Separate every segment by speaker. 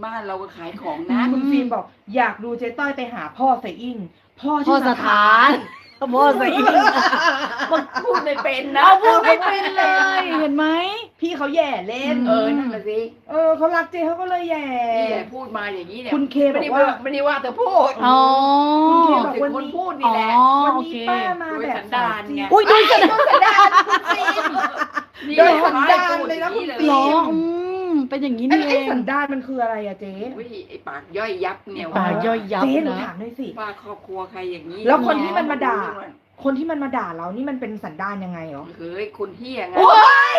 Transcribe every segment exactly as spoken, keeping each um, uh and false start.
Speaker 1: บ้านเราก็ขายของนะ
Speaker 2: คุณฟิล์มบอกอยากดูเจ๊ต้อยไปหาพ่อใส่อิงพ่อ
Speaker 3: พ่
Speaker 2: ชื่
Speaker 3: อ
Speaker 2: อ
Speaker 3: ส
Speaker 2: ส
Speaker 3: ถา
Speaker 2: ถาน น
Speaker 3: พ่อใส่อีก
Speaker 1: มันพูดไม่เป็นนะ
Speaker 3: เอาพูดไม่เป็นเลย เห็นไหม
Speaker 2: พี่เขาแย่เล่น
Speaker 1: เออนั่นแหละสิ
Speaker 2: เออเขารักเจ๊เขาก็เลยแย่
Speaker 1: นี่แหละพูดมาอย่างนี้เนี่ย
Speaker 2: คุณเค
Speaker 1: ไม่
Speaker 2: บอ
Speaker 1: ได้
Speaker 2: ก
Speaker 1: ว่า
Speaker 2: ว่า
Speaker 1: ไม่ได้ว่าเธอพูด
Speaker 3: อ๋อ
Speaker 2: คุณเค
Speaker 1: บอก
Speaker 2: บอก
Speaker 1: ถึง
Speaker 2: วัน
Speaker 1: คน
Speaker 2: นี้
Speaker 1: พูดนี่แหละ
Speaker 3: อ๋อ
Speaker 2: วัน
Speaker 3: โอ
Speaker 2: นี้
Speaker 3: เค
Speaker 2: ป้ามา
Speaker 1: โดย
Speaker 2: แบบ
Speaker 1: สันดานไง
Speaker 3: อุ้ยดูจะ
Speaker 2: โดยสันดานคุณฟิล์ม
Speaker 1: นี่
Speaker 2: โดยสันดานเลยนะคุณฟิ
Speaker 3: หร
Speaker 2: ล์
Speaker 3: อ
Speaker 2: ม
Speaker 3: อืมเป็นอย่างนี้
Speaker 2: ไอ้
Speaker 3: นี่เอ
Speaker 2: ไอ้
Speaker 3: ง
Speaker 2: สันดานมันคืออะไรอะเจ๊
Speaker 1: อุ้ยไอ้ปากย่อยยับเนี่ย
Speaker 3: ปากย่อยยับ
Speaker 2: เจ๊หนู
Speaker 3: นะ
Speaker 2: ถามหน่อยสิ
Speaker 1: ว่าครอบครัวใครอย่างนี้
Speaker 2: แล้วคนที่มันมาด่า คนที่มันมาด่าเรานี่มันเป็นสันดานยังไงเหรอ
Speaker 1: เฮ้ยคนเฮี้ยไง
Speaker 2: โอ๊ย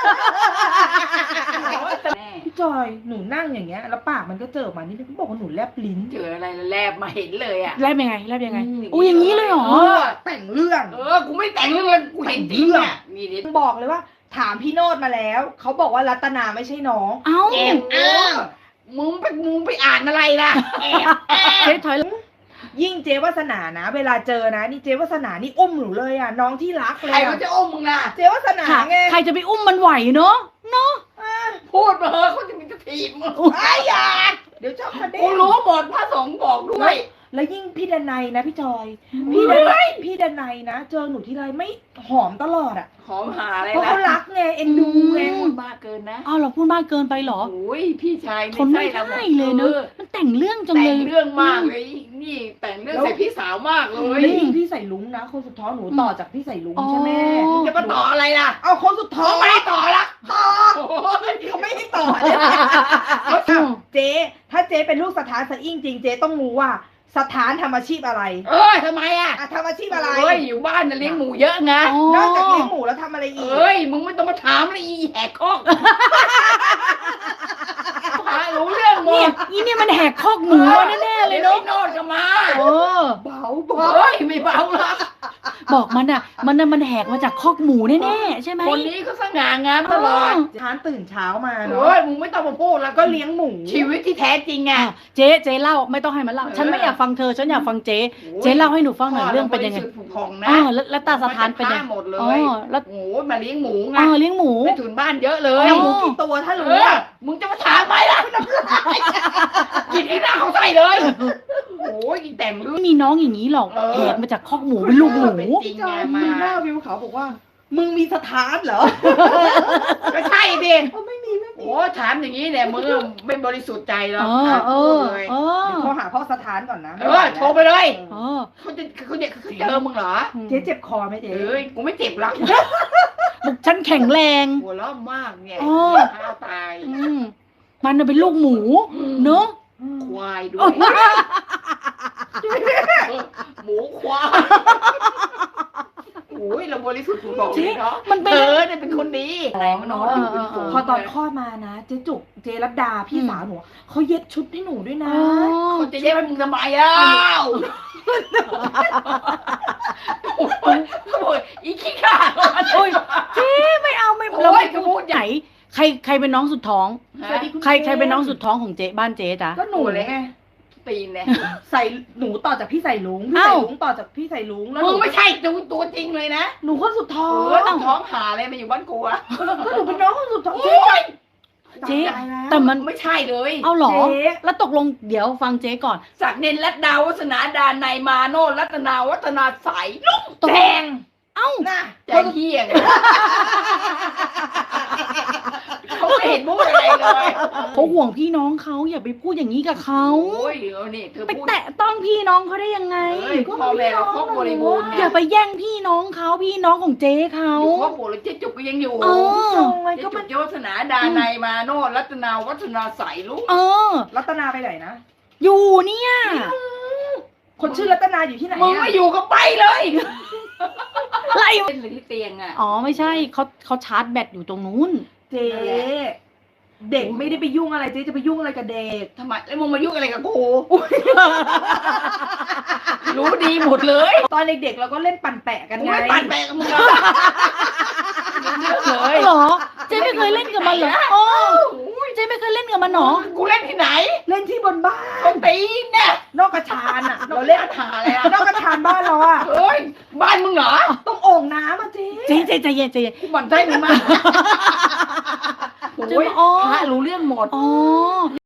Speaker 1: แม่
Speaker 2: พี่จอยหนูนั่งอย่างเงี้ยแล้วปากมันก็เจอออกมานี่เขาบอกว่าหนูแลบลิ้น
Speaker 1: เจออะไรแล้วแลบมาเห็นเลยอ่ะ
Speaker 3: แลบยังไงแลบยังไง
Speaker 1: อืม
Speaker 3: อุ้ยอย่างนี้เลยเหรอ
Speaker 1: เออ
Speaker 2: แต่งเรื่อง
Speaker 1: เออกูไม่แต่งเรื่องเลยกูเห็นจริงอ่ะนี่ดิ
Speaker 2: บอกเลยว่า ถามพี่โนดมาแล้วเขาบอกว่ารัตนาไม่ใช่น้อง
Speaker 3: เอ้า
Speaker 1: แอบอ้างมึงไปมึงไปอ่านอะไรล่ะแอบอ้าง
Speaker 3: เจ๊ถอย
Speaker 2: ยิ่งเจวาสนานะ เวลาเจอนะนี่เจวาสนานี่อุ้มหนูเลยอ่ะน้องที่รักเล
Speaker 1: ใคร
Speaker 2: ย
Speaker 1: เขา
Speaker 2: อะ
Speaker 1: จะอ้มมึงล่ะ
Speaker 2: เจวาสนา
Speaker 3: ค่ะ
Speaker 2: ไง
Speaker 3: ใครจะไปอุ้มมันไหวเนาะเนาะ
Speaker 1: พูดมาเถอะเขาจะมีจะถีบมึง
Speaker 2: ไอ้ยาเดี๋ยวเจ้าคดี
Speaker 1: กูรู้หมดพระสงฆ์บอกด้วย
Speaker 2: แล้วยิ่งพี่ดนัยนะพี่จอย พี่ดนัยพี่ดนัยนะ เจอหนูทีไรไม่หอมตลอดอ่ะ
Speaker 1: หอมหาอะไร
Speaker 2: เพราะ
Speaker 1: ล่ะ
Speaker 2: เขารักไงเอ็นดูไง
Speaker 1: พูดมากเกินนะ
Speaker 3: อ้าวเราพูดมากเกินไปเหรอ
Speaker 1: โอ้ยพี่ชาย
Speaker 3: ทนไม่
Speaker 1: ใช่
Speaker 3: ได้เลยเนอะมันแต่งเรื่องจัง
Speaker 1: แต่
Speaker 3: เล
Speaker 1: ง
Speaker 3: ย
Speaker 1: เรื่องมากเลยนี่แต่งเรื่องใส่พี่สาวมากเลย
Speaker 2: แล้วยิ่งพี่ใส่ลุงนะ คนสุดท้องหนูต่อจากพี่ใส่ลุงใช่ไหม
Speaker 3: อ๋อ
Speaker 1: จะมาต่ออะไรล่ะ
Speaker 2: เอาคนสุดท้อง
Speaker 1: เขาไม่ให้ต่อละ
Speaker 2: ต่อ
Speaker 1: โอ้ย
Speaker 2: เขาไม่ให้ต่อเนี่ยเจ๊ถ้าเจ๊เป็นลูกสถานสะอิ่งจริงเจ๊ต้องรู้ว่าสถานทำอาชีพอะไร
Speaker 1: เอ้ยทำไมอ่ะ
Speaker 2: อ่ะทำอาชีพอะไร
Speaker 1: เอ้ยอยู่บ้านน่ะเลี้ยงหมูเยอะไง
Speaker 3: อ๋อ
Speaker 2: นอกจากเลี้ยงหมูแล้วทำอะไรอีก
Speaker 1: เอ้ยมึงไม่ต้องมาถามเลยอีแหกคอกหารู้เรื่องหม
Speaker 3: เนี่ย
Speaker 1: ด
Speaker 3: อีเนี่ยมันแหกคอกหมูมาแน่ๆเลย
Speaker 1: ดี๋ว
Speaker 3: เนาะ
Speaker 1: ไอ้โนดก็มา
Speaker 3: เออ
Speaker 2: เบาเบา
Speaker 1: เฮ้ยไม่เบาหรอก
Speaker 3: บอกมันอ่ะ มันน่ะมันแหกมาจากคอกหมูแน่ๆใช่ไหม
Speaker 1: คนนี้ก็สง่างามตลอด
Speaker 2: ทานตื่นเช้ามาเนาะ
Speaker 1: เฮ้ยมึงไม่ต้องมาพูดแล้ว
Speaker 2: ก็
Speaker 1: ก็
Speaker 2: เลี้ยงหมู
Speaker 1: ชีวิตที่แท้จริงไง
Speaker 3: อ่ะเจ๊เจ๊เล่าไม่ต้องให้มันเล่าฉันไม่อยากฟังเธอฉันอยากฟังเจ๊เจ๊เล่าให้หนูฟังหน่อยเรื่องเป็นยังไง
Speaker 1: พ่ราบริสุทธิ์ผุพองนะ
Speaker 3: อ๋อแล้วแล้วตาสถานเป็นยัง
Speaker 1: ฆ่หมดเล
Speaker 3: อ๋อย แล้ว
Speaker 1: โอ้โหมาเลี้ยงหมูไง
Speaker 3: อ๋อเลี้ยงหมู
Speaker 1: ไปถุนบ้านเยอะเลย
Speaker 2: เลี้ยงหมูกี่ตัวถ้า
Speaker 1: เอ
Speaker 2: รู้
Speaker 1: อ
Speaker 2: อะ
Speaker 1: มึงจะมาถามไหมล่ะกินที่หน้าเขาใส่เลยโอ้ยแต่งเรื่อง
Speaker 3: ไม่มีน้องอย่างนี้หรอก
Speaker 1: เออ
Speaker 3: แหกมาจากคอกหมูเป็นลูกหมู
Speaker 1: เป็นจริง
Speaker 2: จอ
Speaker 1: ไง
Speaker 2: ย
Speaker 1: มา
Speaker 2: หน้าวิวเขาบอกว่า มึงมีสถานเหรอ
Speaker 1: ก็ใช่ดิ
Speaker 2: เขาไม่มีไม่มี
Speaker 1: โอ้ถามอย่างนี้เนี่ยมึงไม่บริสุทธิ์ใจหร
Speaker 3: เอ
Speaker 1: อก
Speaker 3: อเอ
Speaker 1: พูด
Speaker 3: อ
Speaker 1: เลย
Speaker 3: เออ
Speaker 2: เดี๋ยวโทรหาพ่อสถานก่อนนะ
Speaker 1: เออโทรไปเลย
Speaker 3: เออ
Speaker 1: เขาจะเขาจะเขาเจอมึงเหรอ
Speaker 2: เจ๊เจ็บคอไหมเจ๊
Speaker 1: เอ้ยกูไม่เจ็บหรอก
Speaker 3: บอกฉันแข็งแรง
Speaker 1: หัวเราะมากเนี่ย
Speaker 3: อ๋อ
Speaker 1: ข้าวตาย
Speaker 3: อืมมันน่ะเป็นลูกหมู เนอะ
Speaker 1: ควายด้วยหมูควายโอ้ยเราบริสุทธิ์ถูกบอกเลยเนาะ
Speaker 3: มันเป็น
Speaker 1: เธอเนี่ยเป็นคนดีแรงเนาะ
Speaker 3: เออ
Speaker 1: อยู่เป็นฝูง
Speaker 2: พอตอนคลอดมานะ เจ๊จุก เจ๊รัตดา พี่สาวหนูเขาเย็บชุดให้หนูด้วยนะ
Speaker 3: อ๋อ
Speaker 1: เขาจะแย่ให้มึงทำไมอ่ะโอ้ยอีขี้ข้า
Speaker 3: โอ้ยเจ๊ไม่เอาไม่
Speaker 1: โอ้ย
Speaker 3: เราไม่
Speaker 1: กระพูดให
Speaker 3: ไหน
Speaker 1: ญ่
Speaker 3: ใครใครเป็นน้องสุดท้อง
Speaker 2: สวัสดีคุณ
Speaker 3: ใคร
Speaker 2: เจมส์
Speaker 3: ใครเป็นน้องสุดท้องของเจ๊บ้านเจ๊จ๊ะ
Speaker 2: ก็หนูเลยไง
Speaker 1: ตีนเนี่ย
Speaker 2: ใส่หนูต่อจากพี่ใส่ลุงพี่
Speaker 3: เอ้า
Speaker 2: ใส่ลุงต่อจากพี่ใส่ลุงแล้วห
Speaker 1: มึ
Speaker 2: นู
Speaker 1: งไม่ใช่ตัวตัวจริงเลยนะ
Speaker 2: หนูคนสุดท้อ
Speaker 1: เอง อต้องท้องหาอะไรมาอยู่บ้านกูอะ
Speaker 2: ก็หนูเป็นน้องคนสุดท้อง
Speaker 1: โอ้ย
Speaker 3: เจ๊
Speaker 2: จำได้แล้ว
Speaker 3: แต่มัน
Speaker 1: ไม่ใช่เลย
Speaker 3: เอาเหรอ
Speaker 2: เจ๊
Speaker 3: แล้วตกลงเดี๋ยวฟังเจ๊ก่อน
Speaker 1: ศักดิ์เนนรัตดาวัฒนาดานในยมาโนรัตนาวัฒนาใสลุง
Speaker 3: ตก
Speaker 1: แจ
Speaker 3: ลง
Speaker 1: ง
Speaker 3: เอ้า
Speaker 2: น่ะ
Speaker 1: แจงเฮียงเขาไม่เห็นพูดอะไรเลย
Speaker 3: เขาห่วงพี่น้องเขาอย่าไปพูดอย่างนี้กับเขา
Speaker 1: โอ้ยเดี๋ยวนี่เธอ
Speaker 3: ไป
Speaker 1: พูด
Speaker 3: แตะต้องพี่น้องเขาได้ยังไง
Speaker 1: เอ้ยพ่อแม่เราครบบริบูรณ์
Speaker 3: อ
Speaker 1: เนี่
Speaker 3: ย่าย ไปแย่งพี่น้องเขาพี่น้องของเจ๊เขา
Speaker 1: อยู่ครอบครัวแล้วเจ๊จุกก็ยังอยู่
Speaker 3: เออ
Speaker 2: ทำไม
Speaker 1: เจ๊
Speaker 2: ก็
Speaker 1: จุ
Speaker 2: มัน
Speaker 1: กเจ้าวัฒนาดานในยมาโนรัตนาวัฒนาใสลุง
Speaker 3: เออ
Speaker 2: รัตนาไปไหนนะ
Speaker 3: อยู่เนี่ย
Speaker 2: คนชื่อรัตนาอยู่ที่ไหน
Speaker 1: มึง
Speaker 2: อะ
Speaker 1: ไม่อยู่ก็ไปเลย
Speaker 3: ไล่
Speaker 1: เล่นเลยที่เตียงอ่ะ
Speaker 3: อ๋อไม่ใช่เขาเขาชาร์จแบตอยู่ตรงนู้น
Speaker 2: เจ๊เด็กไม่ได้ไปยุ่งอะไรเจ๊จะไปยุ่งอะไรกับเด็ก
Speaker 1: ทำไมแล้วมึงมายุ่งอะไรกับกูรู้ดีหมดเลย
Speaker 2: ตอนเด็กๆเราก็เล่นปั่นแปะกัน
Speaker 1: กู
Speaker 2: ไง
Speaker 1: ไม่ปั่นแปะกับมึงหรอกรู้เรื่องเลย
Speaker 3: เหรอ เจ๊ไม่เคยเล่นกับมันเหรออ๋อเจ๊ไม่เคยเล่นกับมันเหรอ
Speaker 1: กูเล่นที่ไหน
Speaker 2: เล่นที่บนบ้าน
Speaker 1: ต้นตีนเนี่ย
Speaker 2: นอกกระชานอ่ะ
Speaker 1: เรา
Speaker 2: เรา
Speaker 1: เล่
Speaker 2: เล่
Speaker 1: น
Speaker 2: น
Speaker 1: หาอะไรอ่ะ
Speaker 2: นอกกระชานบ้านเราอ่ะ
Speaker 1: เฮ้ยบ้านมึงเหรอ
Speaker 2: ต้องโอ่งน้ำอ่ะเจ๊
Speaker 3: เจ๊เจ๊ใจเย็นใจเย็น
Speaker 1: กูหมั่นไส้มึงมากโอ้ย
Speaker 3: อ๋อ
Speaker 1: พระรู้เรื่องหมด
Speaker 3: อ๋อ